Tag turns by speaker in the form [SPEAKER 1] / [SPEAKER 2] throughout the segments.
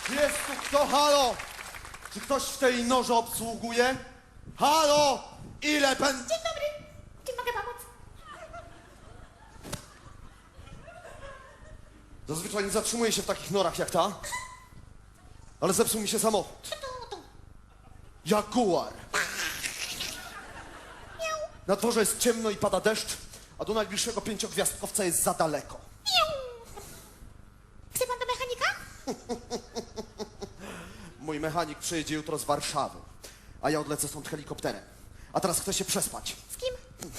[SPEAKER 1] Jest tu kto? Halo? Czy ktoś w tej norze obsługuje? Halo? Ile pen...
[SPEAKER 2] Dzień dobry. Czym mogę pomóc?
[SPEAKER 1] Zazwyczaj nie zatrzymuję się w takich norach jak ta. Ale zepsuł mi się samochód.
[SPEAKER 2] Tu.
[SPEAKER 1] Jaguar.
[SPEAKER 2] Miau.
[SPEAKER 1] Na dworze jest ciemno i pada deszcz, a do najbliższego 5-gwiazdkowca jest za daleko.
[SPEAKER 2] Miau. Chce pan do mechanika?
[SPEAKER 1] Mój mechanik przyjedzie jutro z Warszawy, a ja odlecę stąd helikopterem. A teraz chcę się przespać.
[SPEAKER 2] Z kim?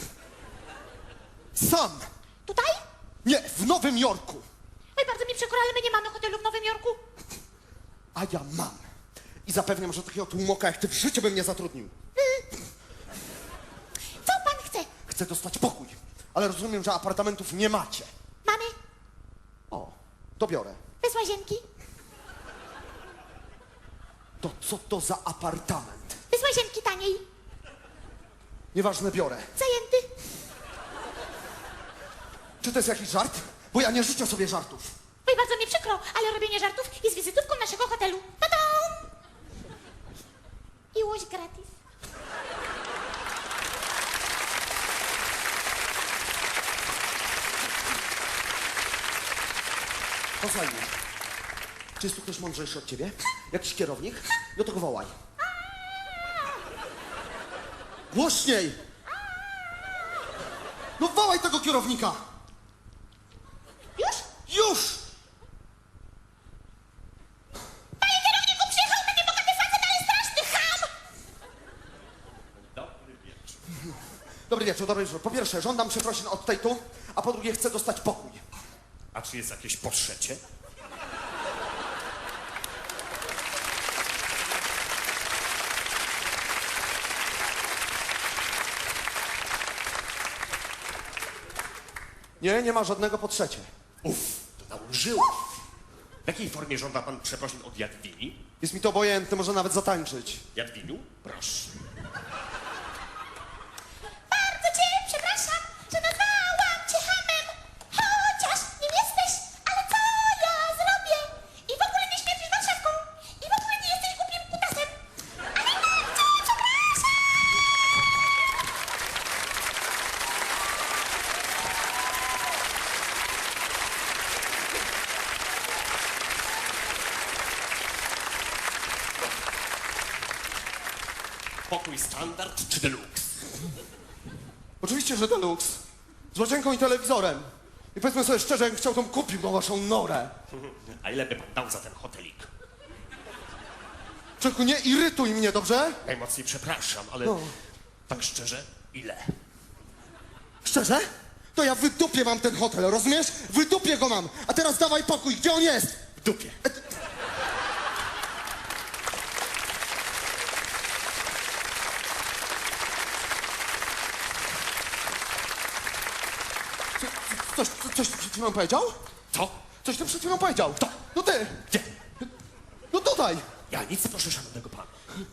[SPEAKER 1] Sam!
[SPEAKER 2] Tutaj?
[SPEAKER 1] Nie, w Nowym Jorku!
[SPEAKER 2] Oj, bardzo mi przykro, ale my nie mamy hotelu w Nowym Jorku.
[SPEAKER 1] A ja mam. I zapewniam, że takiego tłumoka jak ty w życiu bym nie zatrudnił.
[SPEAKER 2] Co pan chce?
[SPEAKER 1] Chcę dostać pokój, ale rozumiem, że apartamentów nie macie.
[SPEAKER 2] Mamy
[SPEAKER 1] O, to biorę.
[SPEAKER 2] bez łazienki.
[SPEAKER 1] To co to za apartament?
[SPEAKER 2] Bez łazienki taniej.
[SPEAKER 1] Nieważne, biorę.
[SPEAKER 2] Zajęty.
[SPEAKER 1] Czy to jest jakiś żart? Bo ja nie życzę sobie żartów.
[SPEAKER 2] Oj, bardzo mi przykro, ale robienie żartów jest wizytówką naszego hotelu. Ta-dam! I łoś gratis.
[SPEAKER 1] Posłuchaj mnie. Czy jest tu ktoś mądrzejszy od ciebie? Jakiś kierownik? No to go wołaj. Głośniej! No wołaj tego kierownika!
[SPEAKER 2] Już?
[SPEAKER 1] Już!
[SPEAKER 2] Panie kierowniku, przyjechał ten niebogaty facet, ale straszny ham!
[SPEAKER 1] Dobry wieczór, dobry wieczór. Po pierwsze, żądam przeprosin od tej tu, a po drugie chcę dostać pokój.
[SPEAKER 3] A czy jest jakieś po trzecie?
[SPEAKER 1] Nie, nie ma żadnego po trzecie.
[SPEAKER 3] To nałożyła. W jakiej formie żąda pan przeprosin od Jadwini?
[SPEAKER 1] Jest mi to obojętne, może nawet zatańczyć.
[SPEAKER 3] Jadwiniu? Proszę.
[SPEAKER 2] Bardzo cię przepraszam, że nazwałam cię hamem. Chociaż nim jesteś, ale co ja zrobię? I w ogóle nie śmierdzisz Warszawką. I w ogóle nie jesteś głupim kutasem. Ale bardzo przepraszam.
[SPEAKER 3] Pokój standard czy deluxe?
[SPEAKER 1] Oczywiście, że deluxe. Z łazienką i telewizorem. I powiedzmy sobie szczerze, jakbym chciał, to bym kupił tą waszą norę.
[SPEAKER 3] A ile by pan dał za ten hotelik?
[SPEAKER 1] Człowieku, nie irytuj mnie, dobrze?
[SPEAKER 3] Najmocniej przepraszam, ale
[SPEAKER 1] No.
[SPEAKER 3] tak szczerze, ile?
[SPEAKER 1] Szczerze? To ja wydupię mam ten hotel, rozumiesz? Wydupię go mam. A teraz dawaj pokój, gdzie on jest?
[SPEAKER 3] W dupie.
[SPEAKER 1] Coś ty przed chwilą powiedział?
[SPEAKER 3] Co?
[SPEAKER 1] Coś ty przed chwilą powiedział?
[SPEAKER 3] Kto?
[SPEAKER 1] No ty!
[SPEAKER 3] Gdzie?
[SPEAKER 1] No tutaj!
[SPEAKER 3] Ja nic, proszę szanownego pana.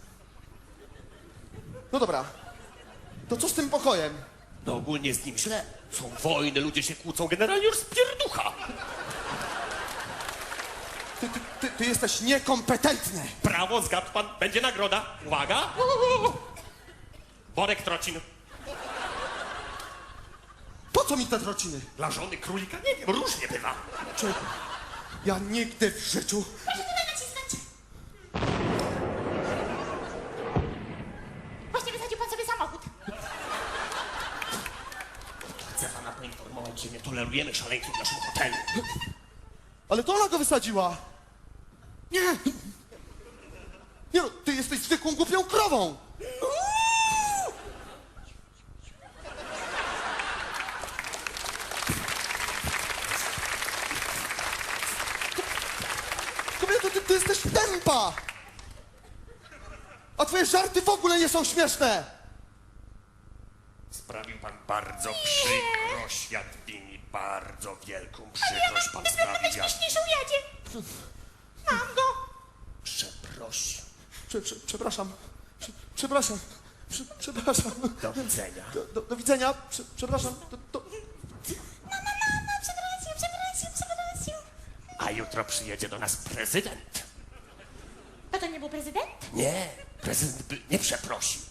[SPEAKER 1] No dobra. To co z tym pokojem?
[SPEAKER 3] No ogólnie z nim źle. Są wojny, ludzie się kłócą, generalnie już spierducha.
[SPEAKER 1] Ty jesteś niekompetentny!
[SPEAKER 3] Brawo, zgadł pan, będzie nagroda. Uwaga. Worek trocin.
[SPEAKER 1] Po co mi te trociny?
[SPEAKER 3] Dla żony królika? Nie wiem, różnie bywa.
[SPEAKER 1] Człowieku, ja nigdy w życiu...
[SPEAKER 2] Proszę tutaj nacisnąć. Właśnie wysadził pan sobie samochód.
[SPEAKER 3] Chcę pana poinformować, że nie tolerujemy szaleńców w naszym hotelu.
[SPEAKER 1] Ale to ona go wysadziła! Nie! Nie no, ty jesteś zwykłą głupią krową! Kobieto, ty jesteś tępa! A twoje żarty w ogóle nie są śmieszne!
[SPEAKER 3] Sprawił pan bardzo przykrość, Jadwini. Bardzo wielką przykrość pan sprawił, Jadwini.
[SPEAKER 2] Śmieszniejszy ujadzie. Mam go.
[SPEAKER 3] Przeprosił.
[SPEAKER 1] Przepraszam. Przepraszam. Przepraszam.
[SPEAKER 3] Do widzenia.
[SPEAKER 1] Do widzenia. Przepraszam.
[SPEAKER 2] Przepraszam.
[SPEAKER 3] A jutro przyjedzie do nas prezydent.
[SPEAKER 2] To nie był prezydent?
[SPEAKER 3] Nie, prezydent by nie przeprosił.